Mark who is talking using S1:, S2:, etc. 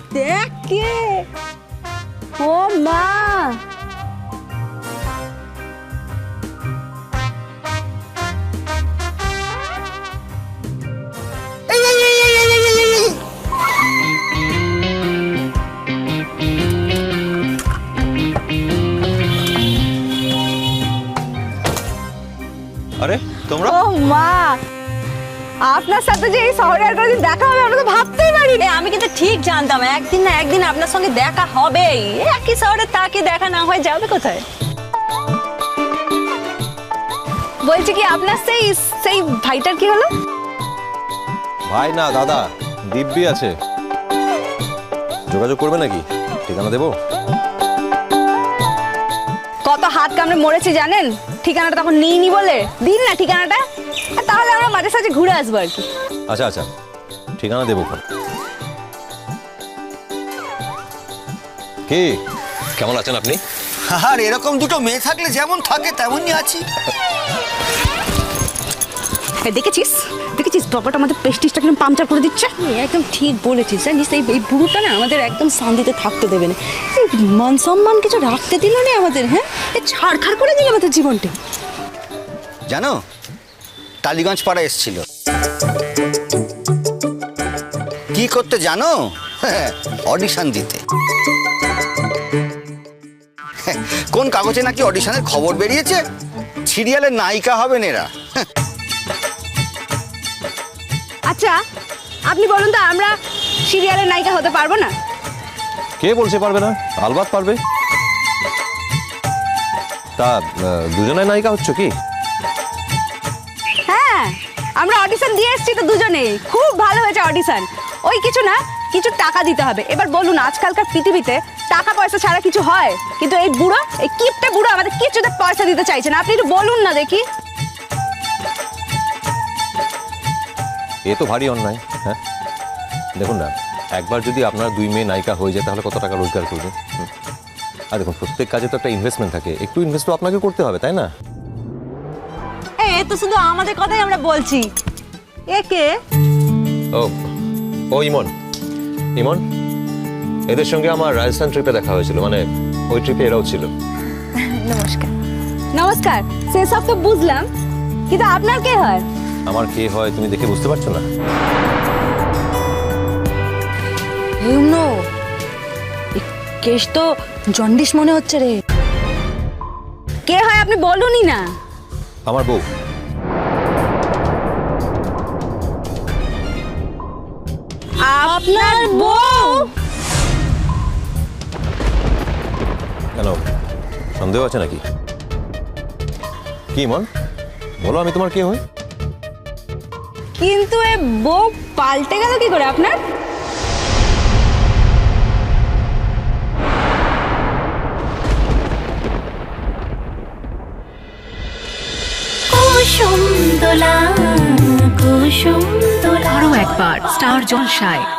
S1: দেখ কে, ও মা,
S2: আরে তোমরা?
S1: ও মা, আপনার সাথে যে এই শহরে আর কোনোদিন দেখা হবে আমরা তো ভাবতেই পারিনি।
S3: আমি কিন্তু ঠিক জানতাম একদিন না একদিন আপনার সঙ্গে দেখা হবেই। একই শহরে তাকে দেখা না হয় যাবে কোথায়?
S1: বলছি কি আপনার সেই সেই ভাইটার কি হলো?
S2: ভাই না দাদা, দিব্যি আছে। যোগাযোগ করবে নাকি? ঠিকানা দেবো?
S1: কত হাত কামড়ে মরেছি জানেন, ঠিকানাটা তখন নিইনি বলে। দিন না ঠিকানাটা, আর তাহলে আমরা মাঝে সাঝে ঘুরে আসবো আর কি।
S2: আচ্ছা আচ্ছা, ঠিকানা দেবো। কি কেমন আছেন আপনি?
S4: আর এরকম দুটো মেয়ে থাকলে যেমন থাকে তেমনই আছি।
S1: দেখেছিস দেখেছিস ব্যাপারটা, আমাদের প্রেস্টিজটা কিরকম পাংচার করে দিচ্ছে।
S3: একদম ঠিক বলেছিস। জানিস এই বুড়োটা না আমাদের একদম শান্তিতে থাকতে দেবে না। মান সম্মান কিছু রাখতে দিল না আমাদের। হ্যাঁ,
S1: ছাড়খাড় করে দিল আমাদের জীবনটা।
S4: জানো, টালিগঞ্জ পাড়া এসছিল। কি করতে জানো? অডিশন দিতে। কোন কাগজে নাকি অডিশনের খবর বেরিয়েছে, সিরিয়ালের নায়িকা হবেন এরা।
S1: আচ্ছা আপনি বলুন তো, আমরা সিরিয়ালের নায়িকা হতে পারবো না?
S2: কে বলছে পারবে না? আলবাত পারবে। তা দুজনে নায়িকা হচ্ছ কি?
S1: হ্যাঁ, আমরা অডিশন দিয়ে এসেছি তো দুজনেই। খুব ভালো হয়েছে অডিশন। ওই কিছু না, কিছু টাকা দিতে হবে। এবার বলুন, আজকালকার পৃথিবীতে টাকা পয়সা ছাড়া কিছু হয়? কিন্তু এই বুড়ো, এই কিপটে বুড়ো আমাদের কিছুতে পয়সা দিতে চাইছে না। আপনি একটু বলুন না দেখি।
S2: এ তো ভারী অন্যায়। হ্যাঁ দেখুন না, একবার যদি আপনার দুই মেয়ে নায়িকা হয়ে যায় তাহলে কত টাকা রোজগার করবে? আর দেখুন, প্রত্যেক কাজে তো একটা ইনভেস্টমেন্ট থাকে, একটু ইনভেস্ট তো আপনাকে করতে হবে, তাই না?
S3: এ তো শুধু আমাদের কথাই আমরা বলছি। একে
S2: ও ও ইমন, ইমন এদের সঙ্গে আমার রাজস্থান ট্রিপে দেখা হয়েছিল, মানে ওই ট্রিপে এরাও ছিল।
S1: নমস্কার। নমস্কার, সেসব তো বুঝলাম, কিন্তু আপনার কে হয়?
S2: আমার কে হয় তুমি দেখে বুঝতে পারছো না?
S3: কেশ তো জন্ডিস মনে হচ্ছে রে।
S1: কে হয় আপনি বলুনই না।
S2: আমার বউ।
S1: আপনার বউ?
S2: কেন, সন্দেহ আছে নাকি? কি মন বলো, আমি তোমার কে হই?
S1: কিন্তু এ বউ পাল্টে গেল কি করে আপনার?
S5: কুসুম দোলা কুসুম দোলা। আরো একবার স্টার জলসায়